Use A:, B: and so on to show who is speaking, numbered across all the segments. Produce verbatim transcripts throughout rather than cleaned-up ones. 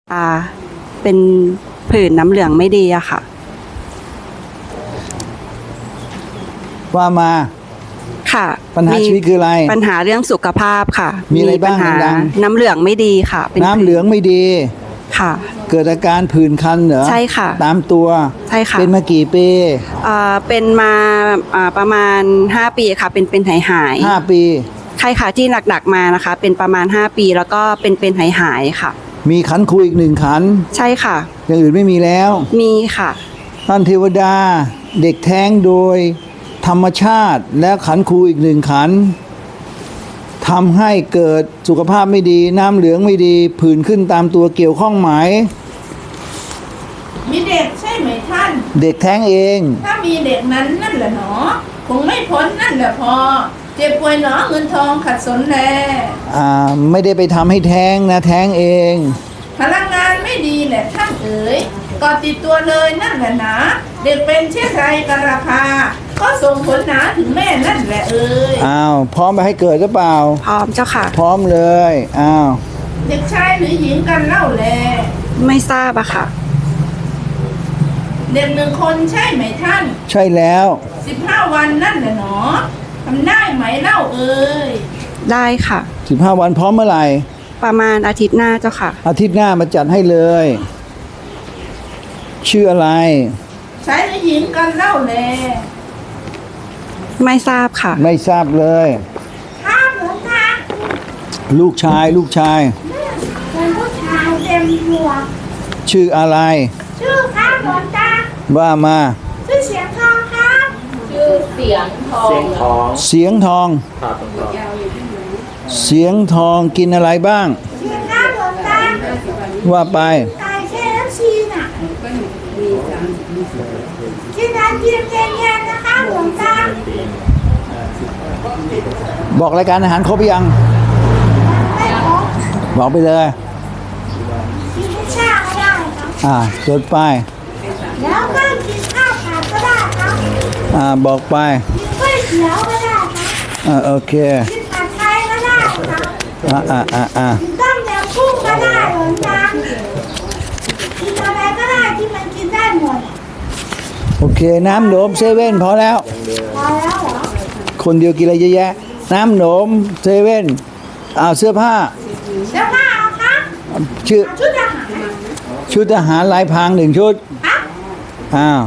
A: ตาเป็นผื่นน้ำเหลืองไม่ดีอะค่ะ
B: ว่ามา
A: ค่ะ
B: ปัญหาชีวิตคืออะไร
A: ปัญหาเรื่องสุขภาพค่ะ
B: มีอะไรบ้าง
A: ปัญหาน้ำเหลืองไม่ดีค่ะ
B: น้ำเหลืองไม่ดี
A: ค่ะ
B: เกิดอาการผื่นคันเหรอ
A: ใช่ค่ะ
B: ตามตัว
A: ใช่ค่ะ
B: เป็นมากี่ปี
A: อ่าเป็นมาอ่าประมาณห้าปีค่ะเป็นเป็นหายหาย
B: ห้าปี
A: ใช่ค่ะที่หนักๆมานะคะเป็นประมาณห้าปีแล้วก็เป็นเป็นหายหายค่ะ
B: มีขันครูอีกหนึ่งขัน
A: ใช่ค่ะ
B: อย่างอื่นไม่มีแล้ว
A: มีค่ะ
B: ท่านเทวดาเด็กแท้งโดยธรรมชาติและขันครูอีกหนึ่งขันทำให้เกิดสุขภาพไม่ดีน้ำเหลืองไม่ดีผื่นขึ้นตามตัวเกี่ยวข้องไหม
C: มีเด็กใช่ไหมท่าน
B: เด็กแท้งเอง
C: ถ้ามีเด็กนั้นนั่นแหละหนอคงไม่พ้นนั่นแหละพอเจ็บป่วยหนอเงินทองขัดสนแล
B: อ่าไม่ได้ไปทำให้แท้งนะแท้งเอง
C: พลังงานไม่ดีแหละท่านเอ๋ยก่อติดตัวเลยนั่นแหละนะเด็กเป็นเช่นไรกันราคาก็ส่งผลหนาถึงแม่นั่นแหละเอ๋ย
B: อ้าวพร้อมไปให้เกิดหรือเปล่า
A: พร้อมเจ้าค่ะ
B: พร้อมเลยอ้าว
C: เด็กชายหรือหญิงกันเล่าแล
A: ไม่ทราบอะค่ะ
C: เด็กหนึ่งคนใช่ไหมท่าน
B: ใช่แล้ว
C: สิบห้าวันนั่นแหละหนอทำได้ไหมเล่าเอ๋ย
A: ได้ค่ะ
B: สิบห้าวันพร้อมเมื่อไหร่
A: ประมาณอาทิตย์หน้าเจ้าค่ะ
B: อาทิตย์หน้ามาจัดให้เลยชื่ออะไร
C: ชายหรือหญิงกันเล่าแล
A: ไม่ทราบค่ะ
B: ไม่ทราบเลย
C: ครับหลวงตา
B: ลูกชายลูกชาย
C: เป็นผู้ชายเต็มตัว
B: ชื่ออะไร
C: ชื่อครับหลวงตา
B: ว่ามา
C: ชื่อเสียงทองครับชื่อเสียงทองเสียงทอง
B: เสียงทองเสียงทองกินอะไรบ้าง
C: เสียงครับหลวงตา
B: ว่าไป
C: ไก่เคเอฟซีน่ะกินอะไรกินเย็นๆนะคะหลวงตา
B: บอกรายการอาหารครบยัง
C: ไม่ครบ
B: บอกไปเลย
C: กินชาก็ได้ครับ
B: อ่าจดไป
C: แล้วก็กินข้าวผัดก็ได้ครับ
B: อ่าบอกไป
C: กินก๋วยเตี๋ยวก็ได้ครับ
B: อ่าโอเค
C: กินผัดไทยก็ได้ครับ
B: อ่าอ่าอ่าอ่า
C: กินต้มยำกุ้งก็ได้หลวงตากินอะไรก็ได้ที่มันกินได้หมด
B: โอเคน้ำหนมเซเว่นพอแล้ว
C: พอแล้วเหรอ
B: คนเดียวกินอะไรเยอะแยะน้ำหนมเซเว่นอ้าวเสื้อผ้า
C: เสื้อผ้าเอาครับ
B: ชื่อ
C: ชุดทหาร
B: ชุดทหารลายพรางหนึ่งชุด
C: ครับ
B: อ้าว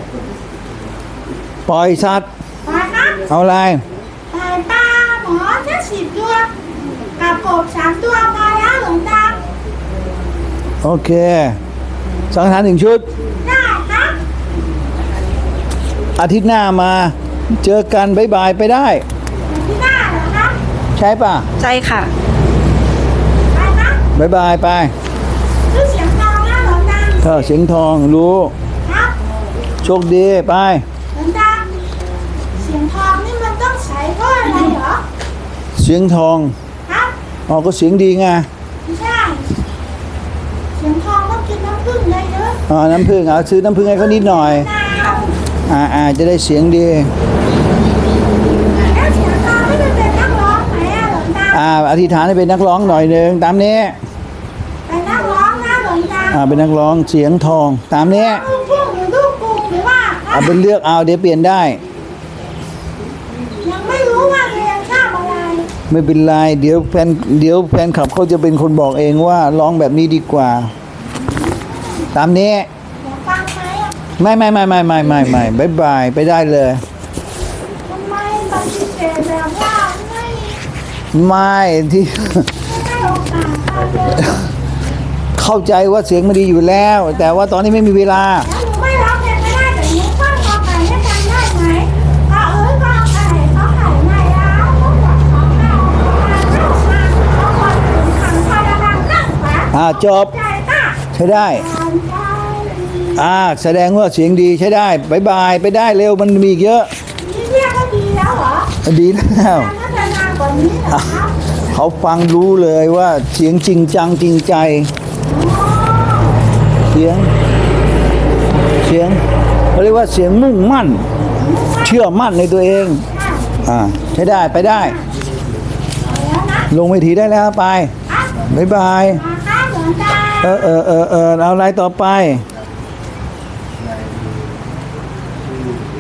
B: ปล่อยสัตว์
C: ปล่อยครับ
B: เอาอะไร
C: ปล่อยปลาหมอแค่สิบตัวกับกบสามตัวพอแล้วหลวงตา
B: โอเคสังหารหนึ่งชุด
C: ได้ครับ
B: อาทิตย์หน้ามาเจอกันบ๊ายบายไปได้
C: อาทิตย์หน้าเหรอครับ
B: ใช่ป่ะ
A: ใช่ค่ะ
C: ไปครับ
B: บ๊ายบายไป
C: ชื่อเสียงทองนะหลวงตา
B: เออเสียงทองรู้
C: ครับ
B: โชคดีไป
C: หลวงตาเสียงทองนี่มันต้องใช้เพราะอะไรเหรอ
B: เสียงทอง
C: ครับ
B: อ๋อก็เสียงดีไง
C: ไม่ใช่เสียงทองต้องกินน้ำผึ้งเยอะ
B: อ๋อน้ำผึ้งเอาซื้อน้ำผึ้งให้เขานิดหน่อยอ่าอ่าจะได้เสียงดี
C: แล้วเสียงทองไม่เป็นนักร้องไหมอะหลวงตา
B: อ่าอธิษฐานให้เป็นนักร้องหน่อยนึงตามนี้
C: เป็นนักร้องนะหลวงตา
B: อ่าเป็นนักร้องเสียงทองตามนี้
C: ลูกทุ่งหรือลูกกรุงหรือว่า
B: เอาเป็นเลือกเอาเดี๋ยวเปลี่ยนได้
C: ยังไม่รู้ว่าเรียนชอบอะไร
B: ไม่เป็นไรเดี๋ยวแฟนเดี๋ยวแฟนคลับเขาจะเป็นคนบอกเองว่าร้องแบบนี้ดีกว่าตามนี้
C: ฟังไหมอ่ะ
B: ไม่ไม่ไม่ไม่ไม่ไม่ไม่บายบายไปได้เลย
C: ทำไมปฏิเสธแบบว่าไม่
B: ไม่ที่
C: ไม่โอกาสเลย
B: เข้าใจว่าเสียงมันดีอยู่แล้วแต่ว่าตอนนี้ไม่มีเวลา
C: แล้วหนูไม่ร้องเพลงไม่ได้แต่หนูฟังกอไก่ให้ฟังได้ไหมกอเอ๋ยกอไก่กอไก่ไม่แล้วกอไก่กอไก่กอไก่กอไก่ถึงขันพอระวังนั่งขวา
B: อ่าจบใช้ได้อ่าแสดงว่าเสียงดีใช้ได้บายบายไปได้เร็วมันมีเยอะ
C: นี่เรียกว่าดีแล้วเหรอ
B: ดีแล้ว
C: น่าจะนานกว่านี้เหรอครับ
B: เขาฟังรู้เลยว่าเสียงจริงจังจริงใจเสียงเสียงเขาเรียกว่าเสียงมุ่งมั่นเชื่อมั่นในตัวเองอ่าใช้ได้ไปได้ลงเวทีได้แล้วไปบ๊ายบายเออเออเออเออเอาอะไรต่อไป
C: เ